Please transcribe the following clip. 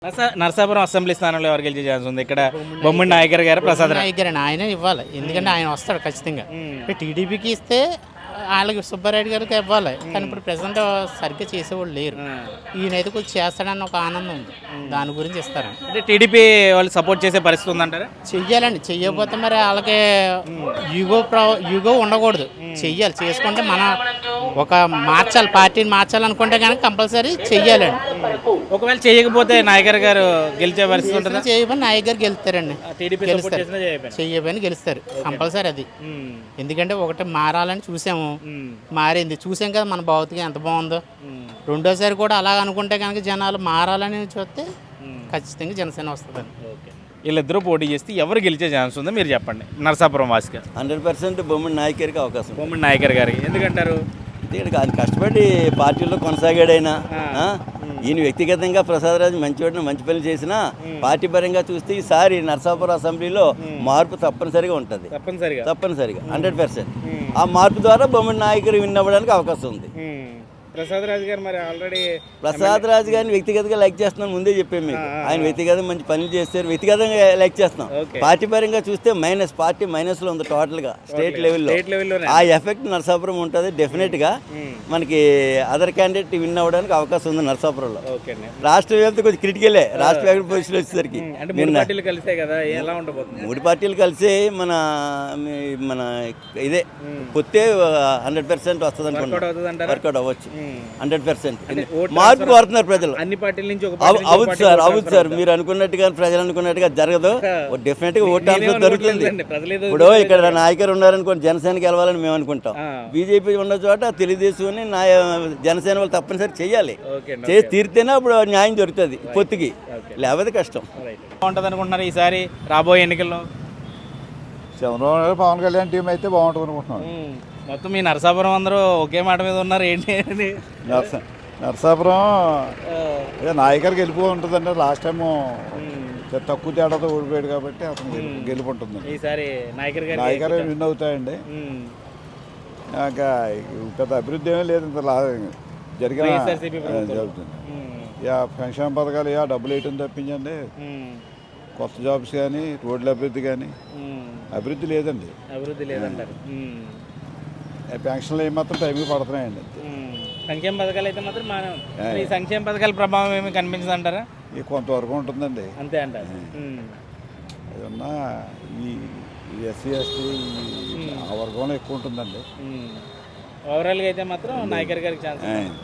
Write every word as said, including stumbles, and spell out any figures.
నరసా- Narasapuram assembly స్థానంలో ఎవరు గెలిచే ఛాన్స్ ఉంది? ఇక్కడ బొమ్మడి నాయకర్ గారు, ప్రసాద్ రావు. నాయకర్ ఆయన ఇవ్వాలి, ఎందుకంటే ఆయన వస్తాడు ఖచ్చితంగా. టీడీపీకి ఇస్తే వాళ్ళకి సుబ్బారెడ్డి గారికి ఇవ్వాలి, కానీ ఇప్పుడు ప్రజెంట్ సరిగ్గా చేసేవాళ్ళు లేరు. ఈయనైతే కొంచెం చేస్తాడన్న ఒక ఆనందం ఉంది, దాని గురించి ఇస్తారు. అంటే టీడీపీ వాళ్ళు సపోర్ట్ చేసే పరిస్థితి ఉందంటారా? చెయ్యాలండి, చెయ్యకపోతే మరి వాళ్ళకి యుగో ప్ర యుగో ఉండకూడదు. చెయ్యాలి, చేసుకుంటే మన ఒక మార్చాలి, పార్టీని మార్చాలనుకుంటే కనుక కంపల్సరీ చెయ్యాలండి. ఒకవేళ చేయకపోతే నాయకర్ గారు గెలిచే పరిస్థితి ఉంటుందా? చేయబోయి నాయక్ గారు గెలుస్తారండి, టీడీపీ గెలుస్తారు. చెయ్యబోయని గెలుస్తారు కంపల్సరీ అది. ఎందుకంటే ఒకటి మారాలని చూసాము, మారింది చూసాం కదా మన భౌతికం ఎంత బాగుందో. రెండోసారి కూడా అలా అనుకుంటే కనుక జనాలు మారాలని చూస్తే ఖచ్చితంగా జనసేన వస్తుందండి. వీళ్ళిద్దరూ పోటీ చేస్తే ఎవరు గెలిచే ఛాన్స్ ఉందో మీరు చెప్పండి. నరసాపురం వాసిగా హండ్రెడ్ పర్సెంట్ బొమ్మడి నాయకరికి అవకాశం. బొమ్మడి నాయకర్ గారికి ఎందుకంటారు? ఇక్కడ ఆయన కష్టపడి పార్టీలో కొనసాగాడైనా ఆ? ఈయన వ్యక్తిగతంగా ప్రసాదరాజు మంచివాడిని మంచి పనులు చేసినా పార్టీ పరంగా చూస్తే ఈసారి నరసాపురం అసెంబ్లీలో మార్పు తప్పనిసరిగా ఉంటుంది. తప్పనిసరిగా తప్పనిసరిగా హండ్రెడ్ పర్సెంట్ ఆ మార్పు ద్వారా బొమ్మడి నాయకుడు విన్ అవ్వడానికి అవకాశం ఉంది. ప్రసాద్ రాజు గారు మరి ఆల్రెడీ ప్రసాద్ రాజు గారిని వ్యక్తిగతంగా లైక్ చేస్తున్నాను, ముందే చెప్పాను మీకు. ఆయన వ్యక్తిగతంగా మంచి పనులు చేస్తారు, వ్యక్తిగతంగా లైక్ చేస్తున్నాం. పార్టీ పరంగా చూస్తే మైనస్, పార్టీ మైనస్ లో ఉంది టోటల్ గా స్టేట్ లెవెల్లో. ఆ ఎఫెక్ట్ నరసాపురం ఉంటుంది డెఫినెట్ గా. మనకి అదర్ క్యాండిడేట్ విన్ అవ్వడానికి అవకాశం ఉంది నరసాపురంలో. రాష్ట్ర వ్యాప్తి కొంచెం క్రిటికలే, రాష్ట్ర వ్యాప్తి పొజిషన్ వచ్చేసరికి మూడు పార్టీలు కలిసి మన మన ఇదే పొత్తే హండ్రెడ్ పర్సెంట్ వస్తుంది అనుకుంటున్నాం. వర్కౌట్ అవ్వచ్చు హండ్రెడ్ పర్సెంట్. మార్పు కోరుతున్నారు ప్రజలు అన్ని పార్టీల నుంచి. అవును సార్, అవును సార్, మీరు అనుకున్నట్టుగా ప్రజలు అనుకున్నట్టుగా జరగదు. డెఫినెట్ గా ఓట్ ట్రాన్స్ఫర్ జరుగుతుంది. ఇప్పుడు ఇక్కడ నాయకులు ఉన్నారనుకోండి, జనసేనకి వెళ్ళాలని మేము అనుకుంటాం. బీజేపీ ఉన్న చోట తెలుగుదేశం నా జనసేన వాళ్ళు తప్పనిసరి చెయ్యాలి, చేసి తీరితేనే అప్పుడు న్యాయం దొరుకుతుంది పొత్తుకి, లేకపోతే కష్టం. బాగుంటుంది అనుకుంటున్నారు ఈసారి రాబోయే ఎన్నికల్లో? చంద్రబాబు పవన్ కళ్యాణ్ టీం అయితే బాగుంటుంది అనుకుంటున్నాను. మొత్తం మీ నరసాపురం అందరూ ఒకే మాట మీద ఉన్నారు ఏంటి? నర్స నరసాపురం నాయకర్ గెలుపు ఉంటుందండి. లాస్ట్ టైము తక్కువ తేడాతో ఓడిపోయాడు కాబట్టి అతను గెలుపు ఉంటుందండి. ఈసారి నాయకర్ గారు నాయకర్ విన్ అవుతాయండి. ఇంకా పెద్ద అభివృద్ధి ఏమీ లేదు ఇంత జరిగిన జరుగుతుంది. యా పెన్షన్ పథకాలు యా డబ్బులు వేయటం తప్పించండి, కొత్త జాబ్స్ కానీ రోడ్ల అభివృద్ధి కానీ అభివృద్ధి లేదండి. అభివృద్ధి లేదంటారు. పెన్షన్లు ఏమాత్రం టైంకి పడుతున్నాయండి. సంక్షేమ పథకాలు అయితే మాత్రం బాగానే, ఈ సంక్షేమ పథకాల ప్రభావం ఏమి కనిపించదు అంటారా? ఈ కొంతవరకు ఉంటుందండి, అంతే అంటారు. ఏమన్నా ఈ ఎస్సీ ఎస్టీ ఆ వర్గంలో ఎక్కువ ఉంటుందండి. ఓవరాల్గా అయితే మాత్రం నాయకర్ గారికి ఛాన్స్.